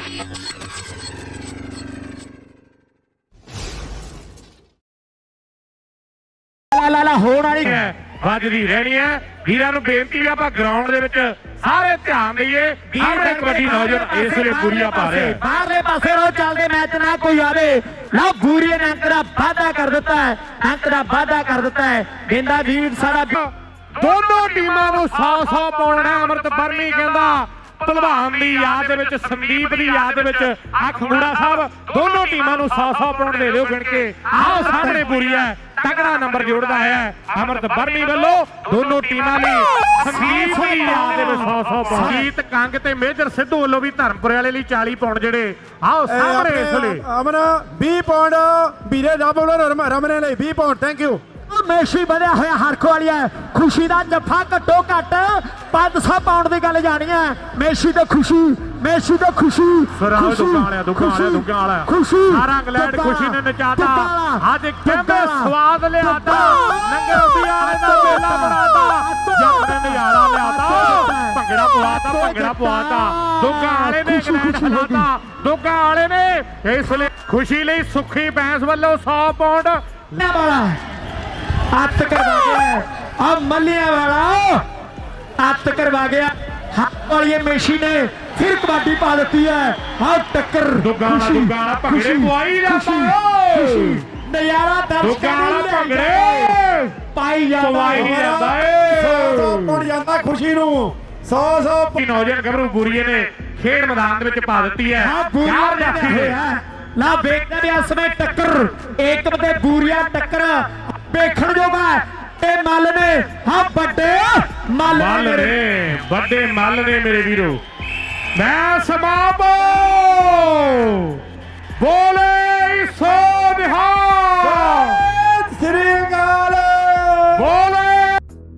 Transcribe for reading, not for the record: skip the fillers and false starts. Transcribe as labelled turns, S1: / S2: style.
S1: ਲਾ ਹੋਣ ਵਾਲੀ
S2: ਵੱਜਦੀ ਰਹਿਣੀ ਹੈ। ਵੀਰਾਂ ਨੂੰ ਬੇਨਤੀ ਹੈ ਆਪਾਂ ਗਰਾਊਂਡ ਦੇ ਵਿੱਚ ਸਾਰੇ ਧਿਆਨ ਦਈਏ। ਆਪਣੇ ਕਬੱਡੀ ਨੌਜਵਾਨ ਇਸ ਵੇਲੇ ਬੂਰੀਆ ਪਾ ਰਿਹਾ
S1: ਬਾਹਰਲੇ ਪਾਸੇ ਰੋ ਚੱਲਦੇ ਮੈਚ ਨਾ ਕੋਈ ਆਵੇ। ਲਓ ਬੂਰੀਏ ਨੇ ਅੰਕ ਦਾ ਵਾਧਾ ਕਰ ਦਿੱਤਾ ਹੈ, ਅੰਕ ਦਾ ਵਾਧਾ ਕਰ ਦਿੱਤਾ ਹੈ। ਗੇਂਦਾ ਵੀਰ ਸਾਡਾ
S2: ਦੋਨੋਂ ਟੀਮਾਂ ਨੂੰ 100-100 ਪਾਉਣਾ। ਅਮਰਤ ਬਰਮੀ ਕਹਿੰਦਾ ਭਲਵਾਨ ਦੀ ਯਾਦ ਦੇ ਵਿੱਚ, ਸੰਦੀਪ ਦੀ ਯਾਦ ਦੇ ਵਿੱਚ ਆ ਖੰਗੂੜਾ ਸਾਹਿਬ ਦੋਨੋਂ ਟੀਮਾਂ ਨੂੰ 100-100 ਪਾਉਣ ਦੇ ਦਿਓ ਗਿਣ ਕੇ। ਆਓ ਸਾਹਮਣੇ ਬੂਰੀਆ ਤਕੜਾ ਨੰਬਰ ਜੋੜਦਾ ਹੈ ਅਮਰਤ ਬਰਮੀ ਵੱਲੋਂ ਦੋਨੋਂ ਟੀਮਾਂ ਲਈ। ਸੰਦੀਪ ਦੀ ਯਾਦ ਦੇ ਵਿੱਚ 100-100 ਪਾਉਣ। ਜੀਤ ਕੰਗ ਤੇ ਮੇਜਰ ਸਿੱਧੂ ਵੱਲੋਂ ਵੀ ਧਰਮਪੁਰੇ ਵਾਲੇ ਲਈ 40 ਪਾਉਣ ਜਿਹੜੇ। ਆਓ ਸਾਹਮਣੇ ਇਸ ਲਈ
S3: ਅਮਨ 20 ਪਾਉਂਡ ਵੀਰੇ ਰਮਨੇ ਲਈ 20 ਪਾਉਂਡ। Thank you.
S1: ਮੇਸ਼ੀ ਵਧਿਆ ਹੋਇਆ ਹਰਖ ਵਾਲੀ ਹੈ। ਖੁਸ਼ੀ ਦਾ ਜੱਫਾ ਘੱਟੋ ਘੱਟ 500 ਪਾਉਂਡ ਦੀ ਗੱਲ ਜਾਣੀ ਹੈ। ਮੇਸ਼ੀ ਤੇ ਖੁਸ਼ੀ, ਮੇਸ਼ੀ ਤੇ ਖੁਸ਼ੀ
S2: ਦੁੱਗਾ ਵਾਲਾ
S1: ਖੁਸ਼ੀ
S2: ਸਾਰਾ ਇੰਗਲੈਂਡ ਖੁਸ਼ੀ ਨੇ ਨਚਾਤਾ। ਅੱਜ ਕਹਿੰਦੇ ਸਵਾਦ ਲਿਆਤਾ, ਲੰਗਰ ਵਾਲੇ ਦਾ ਮੇਲਾ ਬਣਾਤਾ, ਜੱਟ ਨੇ ਨਜ਼ਾਰਾ ਲਿਆਤਾ, ਭੰਗੜਾ ਪਵਾਤਾ, ਭੰਗੜਾ ਪਵਾਤਾ। ਦੁੱਗਾ ਵਾਲੇ ਨੇ ਇੰਗਲੈਂਡ ਹਲਾਤਾ। ਦੁੱਗਾ ਵਾਲੇ ਨੇ ਇਸ ਲਈ ਖੁਸ਼ੀ ਲਈ ਸੁੱਖੀ ਬੈਂਸ ਵੱਲੋਂ 100 ਪਾਉਂਡ
S1: ਵਾਲਾ ਹੱਥ ਕਰਵਾ ਗਿਆ। ਆ ਮੱਲਿਆਂ ਵਾਲਾ ਹੱਥ ਕਰਵਾ ਗਿਆ। ਹੱਥ ਵਾਲੀ ਮੇਸ਼ੀ ਨੇ ਫਿਰ ਕਬੱਡੀ ਪਾ ਦਿੱਤੀ ਹੈ। ਆ ਟੱਕਰ
S2: ਦੁੱਗਾ ਵਾਲਾ ਭੰਗੜੇ ਪਵਾਈ ਜਾਂਦਾ।
S1: ਨਜ਼ਾਰਾ
S2: ਦੁੱਗਾ ਵਾਲਾ ਭੰਗੜੇ
S1: ਪਾਈ ਜਾਂਦਾ
S3: ਜਾਂਦਾ ਖੁਸ਼ੀ ਨੂੰ 100
S2: ਨੌਜਵਾਨ ਗੱਭਰੂ ਬੂਰੀਏ ਨੇ ਖੇਡ ਮੈਦਾਨ ਦੇ ਵਿੱਚ ਪਾ ਦਿੱਤੀ ਹੈ।
S1: ਯਾਰ ਰੱਖੀ ਹੋਇਆ ਲਾ ਵੇਖਦੇ ਨੇ ਇਸ ਸਮੇਂ ਟੱਕਰ ਏਕਮ ਤੇ ਬੂਰੀਆ ਟੱਕਰ ਵੇਖਣ ਜੋਗਾ ਤੇ ਮੱਲ ਨੇ। ਹਾਂ ਵੱਡੇ ਮੱਲ
S2: ਨੇ, ਵੱਡੇ ਮੱਲ ਨੇ ਮੇਰੇ ਵੀਰੋ। ਮੈਂ ਸਮਾਪਤ।